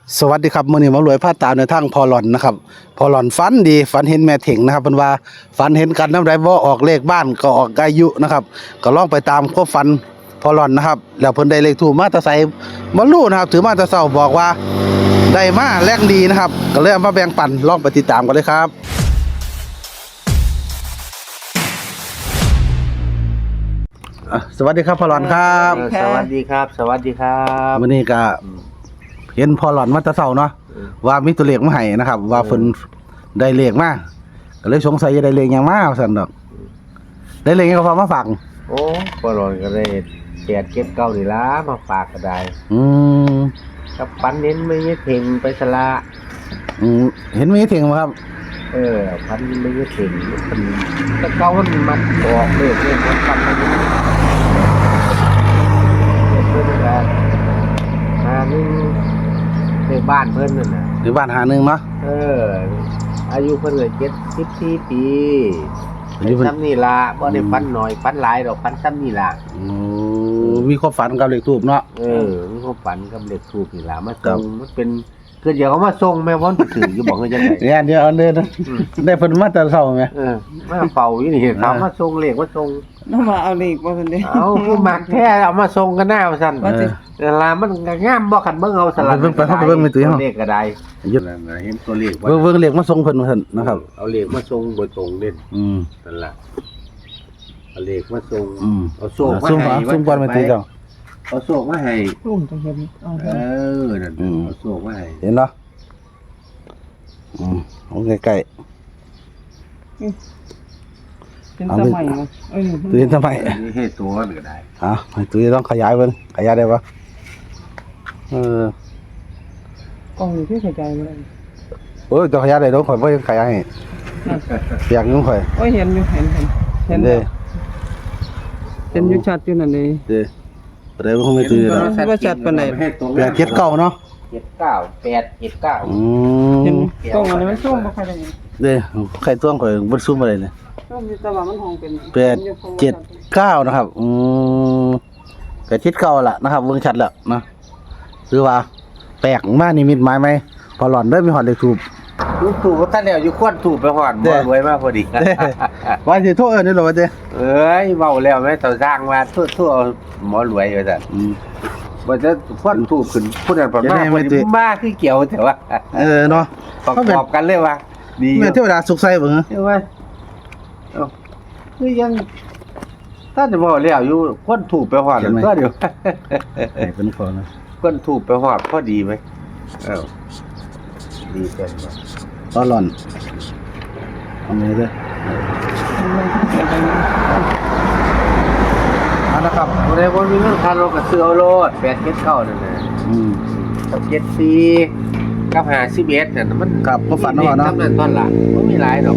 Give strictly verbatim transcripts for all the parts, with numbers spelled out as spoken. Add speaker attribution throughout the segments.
Speaker 1: สวัสดีครับมื้อนี้หมารวยพาตามในทางพอหลอนนะครับพอหลอนฝันดีฝันเห็นแม่เถิงนะครับเพิ่นว่าฝันเห็นกันนำใดบ่ออกเลขบ้านก็ออกอายุนะครับก็ลองไปตามความฝันพอหลอนนะครับแล้วเพิ่นได้เลขถูกมาแตะไสบ่รู้นะครับถือมาแต่เช้าบอกว่าได้มาแรงดีนะครับก็เลยเอามาแบ่งปันลองไปติดตามกันเลยครับอ่ะสวัสดีครับพอหลอนครับ
Speaker 2: สวัสดีครับ สวัสดีครับ
Speaker 1: มื้อนี้ก็เห็นพอหลอนมาแตะเช้าเนาะว่ามีตัวเลขมาให้นะครับว่าเพิ่นได้เลขมาก็เลยสงสัยจะได้เลขหยังมาว่าซั่นดอกได้เลขหยังก็พอมาฝาก
Speaker 2: โอ้ปลอนก็ได้แปดเก็บเก้านี่ล่ะมาฝากก็ได้
Speaker 1: อืม
Speaker 2: กับปันเน้นไม่ยึดถึงไปสละ
Speaker 1: อืมเห็นมีถึงบ่ครับ
Speaker 2: เออปันไม่ยึดถึงมันแต่เก้ามันมันออกเลยเลยมันปันไม่ยึดถึงเพื่อนกันหานึงในบ้านเพื่อนนั่นน่ะ
Speaker 1: หรือบ้านหาหนึงเนาะ
Speaker 2: เออ อายุเพิ่นเลยเจ็ดสิบสี่ปี
Speaker 1: อายุเพิ่น
Speaker 2: ซ้ำนี่ล่ะบ่ได้ปันหน่อยปันหลายดอกปันซ้ำนี่ล่ะ
Speaker 1: โอ้มีความฝันกับเลขทูปเนาะ
Speaker 2: เออมีความฝันกับเด็กถูกนี่ล่ะมา
Speaker 1: ครั
Speaker 2: ส่
Speaker 1: บ
Speaker 2: งมันเป็นคือเดี๋ยวเขามาส่งแม่ว่อนถืออยู่บอกว่าจังได๋
Speaker 1: เนี่ยเดี๋ยวเอาเด้อนะได้เพิ่นมาแต่เช้าแม่
Speaker 2: เออมาเฝ้าอยู่นี่เขามาส่งเลขมาส่ง
Speaker 3: น้ำมาเอาเลขบ่ซั่นเด้
Speaker 2: เอาคือมักแท้เอามาส่งกันหน้าว่าซั่น
Speaker 3: ว่าสิ
Speaker 2: เวลามันก็งามบ่คันเบิ่งเอาสลัด
Speaker 1: เบิ่งไปเฮาไปเบิ่งในตู้เฮา
Speaker 2: เลขก็ได้
Speaker 1: ยึด
Speaker 2: นั่นน่ะเห็นตัวเลข
Speaker 1: เบิ่งเบิ่งเลขมาส่งเพิ่นว่าซั่นนะครับ
Speaker 2: เอาเลขมาส่งโดยตรงเด่น
Speaker 1: อืม
Speaker 2: นั่นล่ะเอาเลขมาส่ง
Speaker 1: อืม
Speaker 2: เอาโชคมา
Speaker 1: ซุ่ม
Speaker 2: ให้
Speaker 1: หาซุ่มก่อนไปตีเจ้า
Speaker 2: เอาโชคมาให้
Speaker 3: รุ่มจังเห็นเอา
Speaker 2: เออนั่น
Speaker 1: อืม
Speaker 2: เอาโชคมาให้
Speaker 1: เห็นเนาะอืมเอาใกล้
Speaker 3: เป็นสมัยบ่เออ
Speaker 1: ๆตัวเห็นทำไม
Speaker 2: อันนี้ให้ตัวมันก็ได้
Speaker 1: อ่ะให้ตัวนี้ต้องขยายเบิ่งขยายได้ปะเออก
Speaker 3: ล้องนี่คือเข้าใจบ่ได้
Speaker 1: โอ้ยต้องขยายได้ต้องข่อยบ่ขยายให้
Speaker 3: นั่น
Speaker 1: เปียกอยู่ข่อย
Speaker 3: โอ้ยเห็นอยู่เห็นเห็นเห็น
Speaker 1: เด้
Speaker 3: เห็นอยู่ชัดอยู่นั่นเด้
Speaker 1: เด้บ่ได้บ่คงไม่ตื่นแล้ว
Speaker 3: ว่าจัดปานใด
Speaker 1: แปดเจ็ดเก้าเนาะ
Speaker 2: เจ็ดเก้าแปดเจ็ดเก้า
Speaker 1: อื
Speaker 3: เห็น
Speaker 1: ม
Speaker 3: กล้องอันนี้มันซูมบ่ค่อยได้
Speaker 1: เด้ใครตัวข่อยบ่ซุ่มอะไรเลย
Speaker 3: ซูมอยู่แต่ว่ามันห้องเป็น
Speaker 1: แปดเจ็ดเก้านะครับอืมแปดเจ็ดเก้าล่ะนะครับเบิ่งชัดแล้วนะคือว่าแปลกมากนิมิตหมายไหมพอหลอนได้มีหอดเลขทูบ
Speaker 2: ลูกถูกท่านแล้วอยู่ควนถูกไปหอด
Speaker 1: เด้
Speaker 2: บ่รวยมากพอดี
Speaker 1: เด้ว่าสิโทษเอิ้นนี่เหรอวะเด้
Speaker 2: เอ้ยเว้าแล้วแม่ต่อสร้างว่าทั่วๆหมอรวยว่าซั่น
Speaker 1: อืม
Speaker 2: บ่จะควนถูกขึ้นผู้นั้นประ
Speaker 1: จะ
Speaker 2: มา
Speaker 1: ได้
Speaker 2: ณ
Speaker 1: ไม่
Speaker 2: บ่
Speaker 1: ติ
Speaker 2: ได้มาคือเกี่ยวแต่ว่า
Speaker 1: เออเนาะ
Speaker 2: ประ
Speaker 1: เขาเป็น
Speaker 2: กอบกันเลยว่าดี
Speaker 1: แม่นเทวดาสุขใส่เบิ่งเหรอ
Speaker 2: ใช่ว่าเอ้าคือยังถ้าจะบอกแล้วอยู่ควนถูกไปหอดก็เดี๋ยว
Speaker 1: ให้เป็นพอนะ
Speaker 2: ควนถูกไปหอดพอดีไหมเอ้าดีเต็มเลย
Speaker 1: พอหลอนเอามือเด้อเอาละครับ
Speaker 2: ในบนมีเรื่องคารถกับเสือเอาโลดแปดเจ็ดเก้านั่นนะ
Speaker 1: อืม
Speaker 2: กับเจ็ดสี่กับหาสิบเอ็ดเนี่ยมัน
Speaker 1: ครับก็ฝันว่าเนาะ
Speaker 2: ทำนั่นตอนหลังไม่มีหลายดอก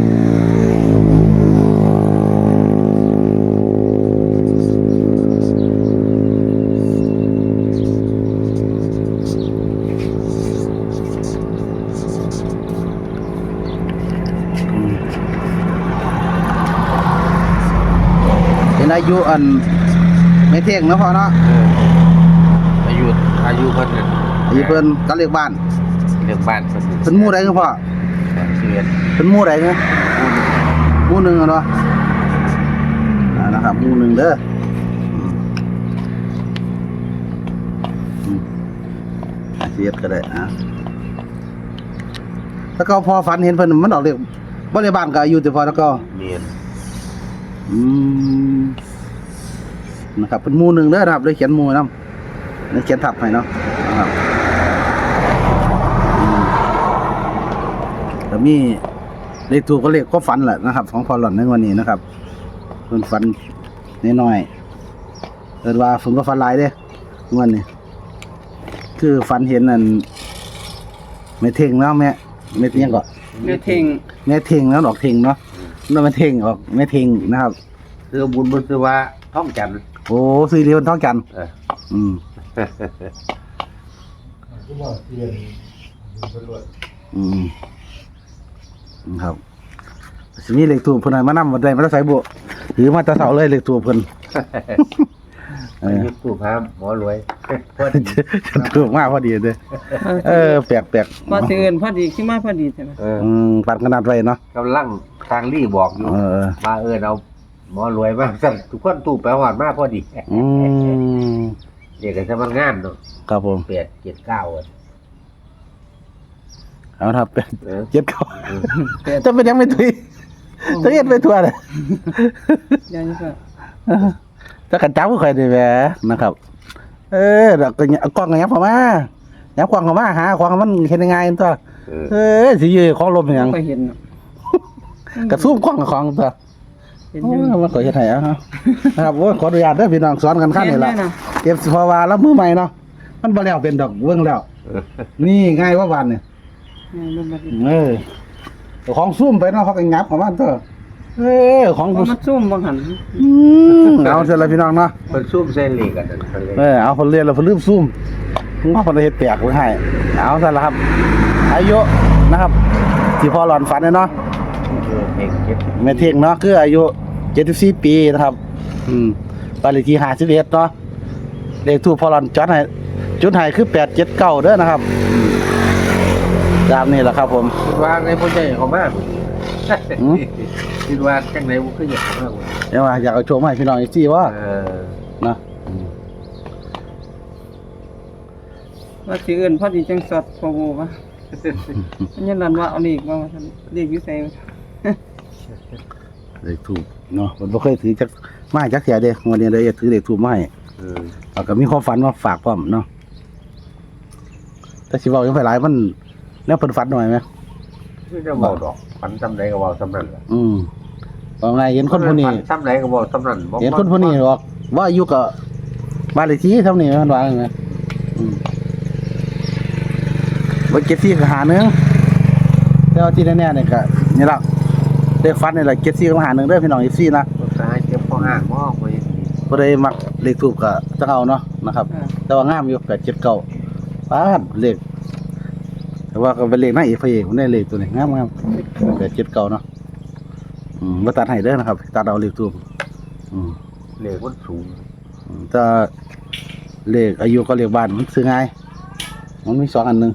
Speaker 1: เป็นอายุอันไม่เที่ยงเนาะพ่อเนาะ
Speaker 2: อายุอายุเพิ่นเนี่ย
Speaker 1: อายุเพิ่นก็เรียกบ้าน
Speaker 2: เรื่องบ้านเพิ่น
Speaker 1: เพิ่นหมู่ใดคือพ่อ
Speaker 2: สิบเอ็ด
Speaker 1: เพิ่นหมู่ใดเนี่ยหมู่หนึ่งอะเนาะอ่านะครับหมู่หนึ่งเด้ออืมอืมเสียดก็ได้อ่ะแล้วก็พอฝันเห็นเพิ่นมันออกเรียกบ่ได้บ้านก็อายุแต่พอแล้วก็
Speaker 2: เมียน
Speaker 1: อืมนะครับเป็นหมู่หนึ่งเด้อนะครับเลยเขียนหมู่นำเลยเขียนทับให้เนาะนะครับอืมแต่มีเลขถูกก็เลขก็ฝันแหละนะครับ ของพอหล่อนในวันนี้นะครับเพิ่นฝันน้อยๆเอิ้นว่าผมก็ฝันหลายเด้วันนี้คือฝันเห็นนั่นแม่เท่งเนาะแม่แม่เท่งก็
Speaker 3: แม่เท่ง
Speaker 1: แม่เท่งแล้วดอกเท่งเนาะแล้วแม่เท่งออกแม่เท่งนะครับ
Speaker 2: คือบุญบุญคือว่าท่องจันทร์
Speaker 1: โอ้ซื้อเรียนท้องกัน
Speaker 2: เออ
Speaker 1: อืมอืมครับสิมีเลขถูกเพิ่นให้มานำบ่ได้มาใส่บุถือมาแตะเสาเลยเลขถูกเพิ่นเออ
Speaker 2: ยุดตู้พามหมอรวยพอดี
Speaker 1: ถูกมากพอดีเลยเออแปลกแปลก
Speaker 3: พอสิเอิ้นพอดีขึ้นมาพอดีใช่ไหม
Speaker 2: เออ
Speaker 1: อืมปันขนาดไว้เนาะ
Speaker 2: กำลังทางรีบอกอยู่
Speaker 1: เออ
Speaker 2: มาเอินเอาหมอรวยมากสั่นทุกคนตู้ไปหอดมากพอดี
Speaker 1: อืม
Speaker 2: เด็กกันจะมันงานเนาะ
Speaker 1: ครับผม
Speaker 2: เปียดเกียรเก้าอ่ะ
Speaker 1: เอาครับเป็น
Speaker 2: เออ
Speaker 1: เจ็ดเขาจะเป็นยังไม่ถุยจะเฮ็ดไปทั่วเลย
Speaker 3: อย่างนี้ก็
Speaker 1: จะกันจับก็ค่อยได้แหวนะครับ เออแล้วก็เอากล้องกันยับเข้ามายับกล้องเข้ามาหาของมันเฮ็ดยังไงตัว
Speaker 2: เออ
Speaker 1: เออสิยื้อของลมหยัง
Speaker 3: ก็เห็นเนาะ
Speaker 1: กระซูมกล้องกับของตัว
Speaker 3: เห็น
Speaker 1: โอ้
Speaker 3: อยู่
Speaker 1: ยมันขอเฮ็ดให้เอาครับนะครับโอ้ยขออนุญาตเด้อพี่น้องสอนกันขั้นนี่ล่ะ
Speaker 3: เห็นด้วยนะ
Speaker 1: เก็บเพราะว่าแล้วมือใหม่เนาะมันบ่แล้วเป็นดอกเบิ่งแล้ว นี่ง่ายว่าวันนี่
Speaker 3: นี่มันบ่ดี
Speaker 1: เออของซุ่มไปเนาะเขาก็งับของมันเถอะเออของ
Speaker 3: เพ
Speaker 1: กู
Speaker 3: ราะมันซุ่มบางหัน
Speaker 1: อืมเอาเสร็จแล้วพี่น้องเนาะ
Speaker 2: มันซุ่มเส้นเหล็กอ่ะนั่นเขาเลย
Speaker 1: เออเอาคนเรียนแล้วคนลืมซุ่มว่าคนเฮ็ดแปลกไว้ให้เอาซะละครับ อายุนะครับ ที่พ่อหลอนฝันเนี่ยเนาะ
Speaker 2: เออเด็กเก็บ
Speaker 1: แม่เท่งเนาะคืออายุเจ็ดสิบสี่ปีนะครับ อืมบ้านเลขที่ห้าสิบเอ็ดเนาะเลขทูปพ่อหลอนจดให้จุดให้คือแปดเจ็ดเก้าเด้อนะครับอืมตามนี้แหละครับผม
Speaker 2: คิดว่าในพ่อใหญ่เขามาก
Speaker 1: อืม
Speaker 2: คิดว่าจังไหนมันคืออยากเขามาก
Speaker 1: เดี๋ยวว่าอยากเอาโชว์มาให้พี่น้องอีกทีว่า
Speaker 2: เออ
Speaker 1: เนาะ
Speaker 3: ว่าสิเอิ้นพอดีจังสอดพอโวว่าอันนี้นั่นว่าเอาเลขมาว่าซั่นเลขอยู่ไส
Speaker 1: เลขทูปเนาะมันบ่เคยถือจักมาจักเสียเด้วันนี้เลยถือเลขทูปมาให้
Speaker 2: เออ
Speaker 1: แล้วก็มีความฝันมาฝากพร้อมเนาะแต่สิเว้ายังไปหลายมันแนวเพิ่นฝันหน่อยไหม
Speaker 2: คือจะบอกดอกฝันซ้ำไหนก็บอกซ้ำนั่นแหละ
Speaker 1: อืมว่าไงเห็นคนผู้นี้
Speaker 2: ฝัซ้ำไหนก็บอกซ้ำนั่นบ่
Speaker 1: เห็นคนผู้นี้บอกว่าอายุก็บ้านเลขที่เท่านี้มันว่าไงอืมบ่เก็บที่ก็หาหนึงแต่ว่าที่แน่ๆเนี่ยก็นี่ล่ะได้ฝันนี่แหละเก็บที่ก็หาหนึงเด้อพี่น้องอีซี่นะ
Speaker 2: ตายเจ็บข้อห้างมอกไป
Speaker 1: บ่ได้มักเลขทูปก็จะเอาเนาะนะครับ
Speaker 3: อ่า
Speaker 1: แต่ว่างามอยู่แปดเจ็ดเก้าป้าดเลขแต่ว่าก็เป็นเลขหน้าเอกพระเอกผมได้เลขตัวนี้งามงามแปดเจ็ดเก้าเนาะอืมมาตัดให้เด้อนะครับตัดเอาเลขทูปอืม
Speaker 2: เหล็กมันสูง
Speaker 1: อืมแต่เลขอายุก็เลขบ้านมันซื้อง่ายมันมีสองอันหนึ่ง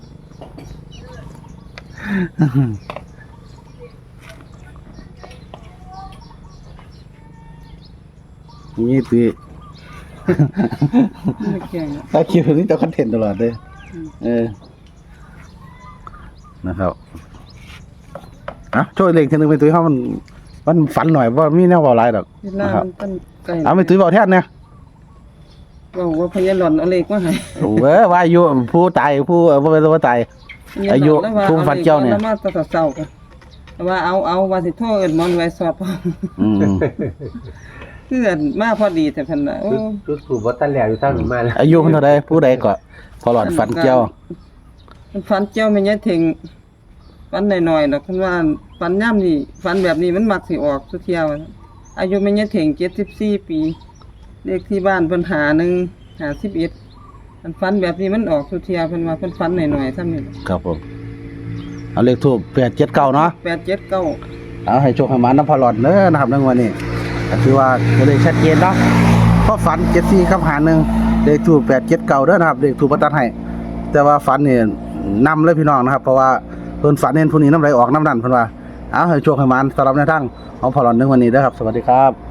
Speaker 1: นี่ตี
Speaker 3: ไม่เกี่ยงเนาะ
Speaker 1: ถ้าคิวนี่จะคอนเทนต์ตลอดเลย
Speaker 3: อืม
Speaker 1: เออ นะครับอ่ะช่วยเล็กทีนึงไปตุ้ยเขามัน มันฝันหน่อยว่ามีแนวเบาหลายดอก
Speaker 3: เวลา
Speaker 1: นะครับ
Speaker 3: มันเป็นไก่
Speaker 1: เอาไปตุ้ยเบาแทนเนี่ย
Speaker 3: ว่าว่าพญาหลอนเอาเลขมาให้
Speaker 1: โอ้เว้ยว่าอายุผู้ตายผู้เออบ่เป็นว่าตาย อายุภูมิฟันเจ้าเนี่ย
Speaker 3: แล้วมาแตะเศร้าๆกันว่าเอาเอาว่าสิโทรเอิ้นหมอนไว้สอบ
Speaker 1: อืม
Speaker 3: คืออันมาพอดีแต่เพิ่นน่ะโอ้
Speaker 2: ชุดสูบวัตถุแหลวอยู่ท่านมาแล้ว
Speaker 1: อายุเพิ่นเท่าใดผู้ใดก็พอหลอดฝันเจ้า
Speaker 3: มันฝันเจ้าแม่นยายเถิงฝันหน่อยๆดอกเพิ่นว่าฝันยามนี้ฝันแบบนี้มันมักสิออกทุกเที่ยวอายุแม่นยายเถิงเจ็ดสิบสี่ปีเลขที่บ้านเพิ่นหาหนึ่งห้าสิบเอ็ดมันฝันแบบนี้มันออกทุกเที่ยวเพิ่นว่าเพิ่นฝันหน่อยๆซ้ำนี่
Speaker 1: ครับผม เอาเลขทูบแปดเจ็ดเก้าเนาะ
Speaker 3: แปดเจ็ดเก้า
Speaker 1: เอาให้โชคให้หมาน้ำพอหลอดเด้อนะครับในวันนี้ก็ถือว่าตัวเลขชัดเจนเนาะเพราะฝันเจ็ดสี่ครับหาหนึ่งเลขทูบแปดเจ็ดเก้าเด้อนะครับเลขทูบประตัดให้ แต่ว่าฝันนี่นำเลยพี่น้องนะครับ เพราะว่าเพิ่นฝันเห็นผู้นี้น้ำไหลออกน้ำดันเพิ่นว่า เอาให้โชคให้หมาสำหรับในทางของพอหลอดในวันนี้เด้อครับ สวัสดีครับ